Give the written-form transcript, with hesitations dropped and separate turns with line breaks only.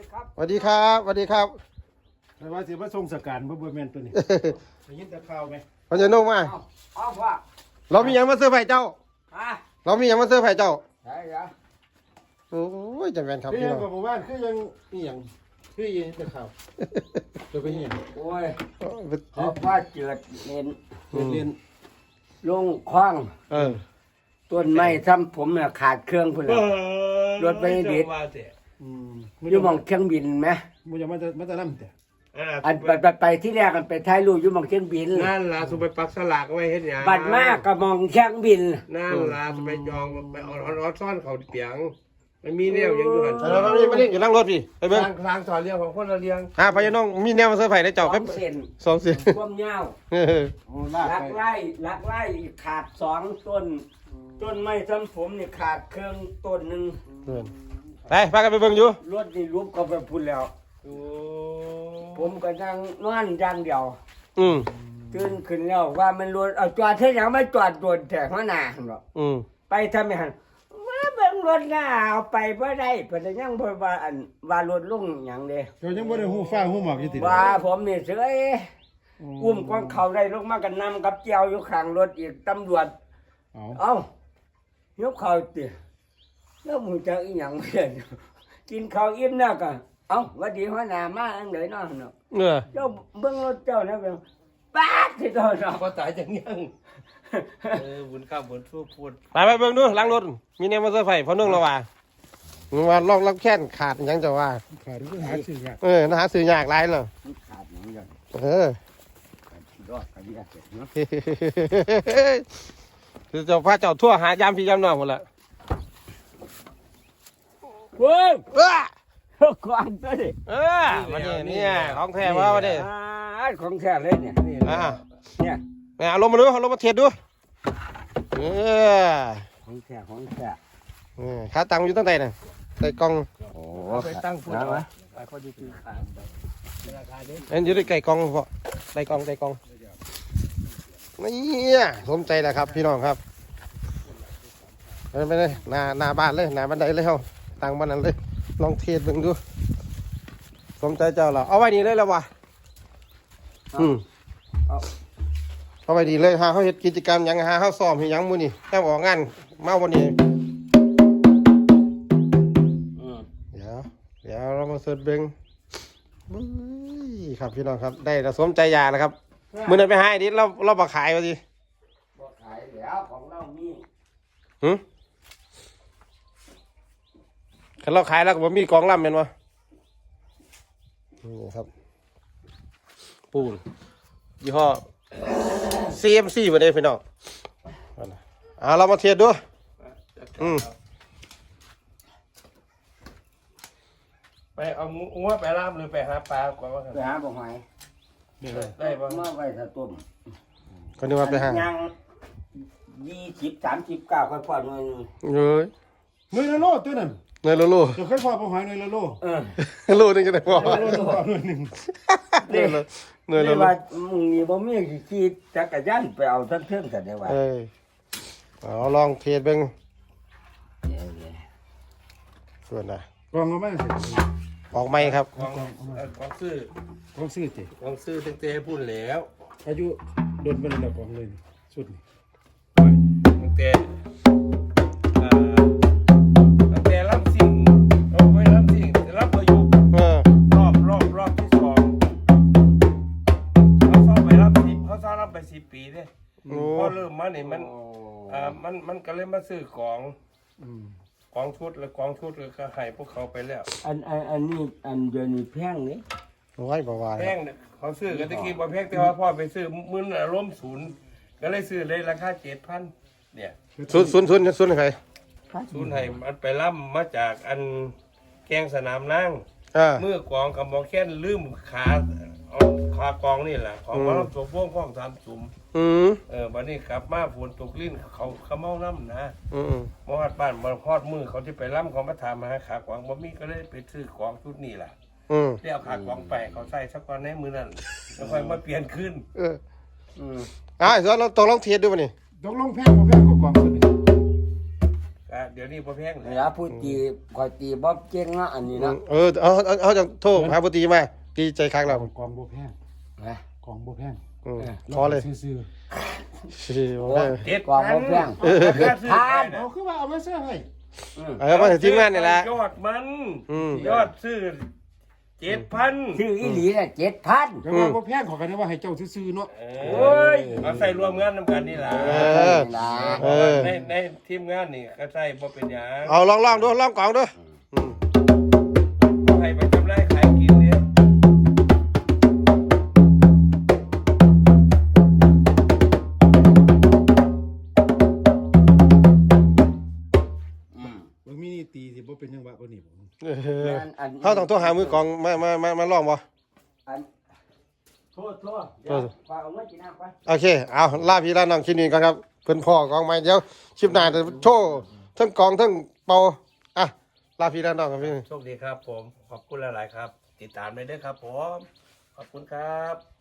สวัสดีครับสวัสดีครับ
แต่ว่าสิมาส่งสการบ่แม่นตัวนี้ได้ยินแต่ข่าวไหม
พญานุ่มมา
เอาว่า
เรามีหยังมาเสื้อร์ไผ่เจ้า
ฮะ
เรามีหยังมาเสื้อร์ไผ่เจ้า
ใช่เหรอ
โอ้ยจำเป็นครับ
คือ
พี่
ยัง
น้อง
กับหมู่บ้านคือยังอีหยังคือยังแต่ข่าวจะไปเห็น
โอ้ยเขาว่าเจือดเล่น
เรียน
ลงคว้าง
เออ
ต้นไม้ซ้ำผมเนี่ยขาดเครื่องพุ่นละรถไปดิด
อืม
อยู่หมองเครื่องบินไหม
บ่จะมาจะนำแต่
อันไปที่แรกกันไปถ่ายรูปอยู่หมองเครื่องบิน
นั่นล่ะสุไปปักสลากไว้เฮ็ดหยัง
บัดมากก็มองเครื่องบิน
นั่นล่ะสุไปจองไปเอาซ่อนเขาเปียงมันมีแนวหยังอยู่หั่น
เราไม่ได้อยู่นั่งรถพี่ไป
ท
เบิ่ง
างสอนเรียงของคนละเรียง
พญานุ่มมีแนวมาเสื้อร์ไผ่ได้เจ้าครับ
2 เซน
2 เสีย
ความยาว
เออ
โอ้ลาก
ลัก
ไป
ไล่ขาด2 ต้น ต้นไม้ซ้ำผมนี่ขาดเครื่องต้นหนึ่ง
ไปพากันไปเบิ่งอยู่
รถนี่รูปก็ไปพุ่นแล้ว
โอ้
ผมก็นั่งนอนอย่างเดียว
อืม
ตื่นขึ้นแล้วว่ามันรถเอาจอดเท่ายังไม่จอดโดนแต่หัวหน้าหรอก
อืม
ไปทำไมหันมาเบิ่งรถหน้าเอาไปบ่ได้เพิ่นยังบ่ว่าอันว่ารถลงหยังเด้
เจ้ายังบ่ได้ฮู้ฟ้าฮู้หมอกอยู่ติ
ว่าผมนี่เสยอุ้มกองเขาได้ลงมากันนำกับเจียวอยู่ข้างรถอีกตำรวจ
เอา
เอ้ายกเขาติแล้วมึงจะอีหยังเพิ่นกินข้าวอิ่มแล้วก็เอ้าหวัดดีหัวหน้ามาอันไหนเนาะเนาะ
เออ
เจ้าเบิ่งรถเจ้านะเบิ่งป๊าดที่โตเนาะ
บ่ตายจังยังบุญข้ามบุญสู้พูด
ไปเบิ่งดูหลังรถมีแนวมาเสื้อร์ไผ่พอนุ่งแล้วว่าว่าลอกรับแค้นขาดหยังจะว่า
ขาดคือหาชื่อยาก
เออน่าหาซื้อยากหลายเลย
มันขาดหยังอย่าง
เออ
รอดกันยากเจ็บเนาะ
คือเจ้าพระเจ้าทั่วหายามพี่ยามน้องหมดละ
เว้ย
เออ
ก่อนตัวดิ
เออมาเนี่ยเนี่ยของแท้ว่ามาเนี่ย
ของแท้เลยเนี่ย
อ่า
เนี่ย
เอาลงมาดูเอาลงมาเทียดดูเออ
ของแท้ของแท้
ขาตังอยู่ตั้งแต่น่ะใส่กล่อง
โอ้
ไปตั้งพูด
นะ
เอา
วะ
ไปเขาจะซื้อขายราคาเด้
อันอยู่ในไก่กล่องพอใส่กล่องนี่สมใจแหละครับพี่น้องครับไปเลยหน้าบ้านเลยหน้าบันไดเลยเฮาตั้งบ้านนั้นเลยลองเทียดดูดูสมใจเจ้าเราเอาไว้นี่เลยแล้ววะเอาไว้ดีเลยหาเขาเฮ็ดกิจกรรมหยังหาเขาซ้อมเฮ็ดหยังมื้อนี้แค่ออกงานมาวันนี้เดี๋ยวเรามาเสิร์ชเบิ่งบึ้ยครับพี่น้องครับได้แล้วสมใจอยากแล้วครับมื้อนั้นไปหาไอ้ดิเราบ่ขายว่าสิ
บ่ขายแล้วของเรามี
คันเราขายแล้วก็บ่มีกองลำแม่นบ่นี่ครับปูนยี่ห้อ CMC บ่ได้พี่น้องเรามาเทียบดู
ไปเอางัวไปล่ามหรือไปหาปลากว่า
ไปหาบ่หอย
ได้บ่
มาไว้ถ้าต้ม
ก็นึกว่าไปหา
ยัง20-39ค่อยพอหน่อยนึง
เอ้ย
หน่วยละโลตัวนั้น
เนยโล
เจ้าเคยพอบ่หอยหน่วยละโล
โลนึงก็ได้พอ
หน่วยละโลหน่วยหนึง
เนยโล
นี่ว่ามึงนี่บ่มีขี่จักรยานไปเอาทั้งเทิงกันได้ว่า
เอาลองเทียบเบิ่งส่วนน่ะ
กองเอามาสิ
ออกไหมครับ
ของซื้อ
ของซื้อติ
ของซื้อตั้งแต่พูดแล้ว
อายุโดนเป็นระดับของเลยนี่สุดนี่
ตั้งแต่ตั้งแต่รับสิ่งเอาไว้รับสิ่งรับประยุกต์รอบที่2เขาซ้อมไปรับ10เขาซ้อมรับไป10 ปีเด้พอเริ่มมานี่มันก็เลยมาซื้อของชุดแล้วก็ให้พวกเขาไปแล้ว
อันนี้อันเดี๋ยวนี้แพงนี่
โอ้ยบ่ว่า
แพงเนี่ยเขาซื้อกันตะกี้บ่แพงแต่ว่าพ่อไปซื้อมื้อน่ะล้มศูนย์ก็เลยซื้อเลยราคา 7,000 เนี่ย
ศูนย์ใคร
ศูนย์ให้มันไปล่ำมาจากอันแกงสนามนั่ง มือกองกับหมอแค้นลืมเอาขากองนี่แหละของมาลำตัวพวงพร้อม3สุ่มวันนี้กลับมาฝนตกลิ้นเขาเมาน้ำนะมาฮอดบ้านมาฮอดมือเขาที่ไปล่ำเขามาถามมาหาขากองบ่มีก็เลยไปซื้อของชุดนี้ล่ะได้เอาขากองไปเขาใส่สักก่อนในมือนั่นแล้วค่อยมาเปลี่ยนขึ้น
ส่วนเราตกลองเทียบดูป่ะนี่
ตกลงแพงบ่แพงกว่ากองสุดนี่
ก็เดี๋ยวนี้บ่แพง
เวลาผู้ตีคอยตีบ่เก่งเนาะอันนี้เนาะ
เอาจังโทรหาปตีมาตีใจคักแล้ว
กองบ่แพง
นะ
กองบ่แพง
ขอเลย
ซื่อ
สิบ่ได้
กองบ่แพง
ๆเอาคือว่าเอามาซื้อให้
มาถึงทีมงานนี่แหละ
ยอดมัน ยอดซื้อ 7,000
ชื่ออีหลีน่ะ7,000
แต่ว่าบ่แพงขอกันว่าให้เจ้าซื่อๆเนาะ
โอ้ยเอาใส่รวมงานนำกันนี่ล่ะ ในทีมงานนี่ก็ใส่บ่เป็นหยัง
เอาลองดูลองกล่องดู
บ่ให้ไปกำไรขายกินเนี่ย
มึงมีตีสิบ่เป็นจังหวะบ่นี่บ่
เขาต้องโทรหามือกองมาลองบ่
โทษเดี๋ยวฝากเอาไว้กินน้ำไป
โอเคเอาลาพี่ลาน้องคิดนี่กันครับเพิ่นพ่อกองใหม่เดี๋ยวคลิปหน้าจะโชว์ทั้งกองทั้งเป่าอ่ะลาพี่ลาน้องครับพี่
โชคดีครับผม ขอบคุณหลายๆครับ ติดตามเลยเด้อครับผม ขอบคุณครับ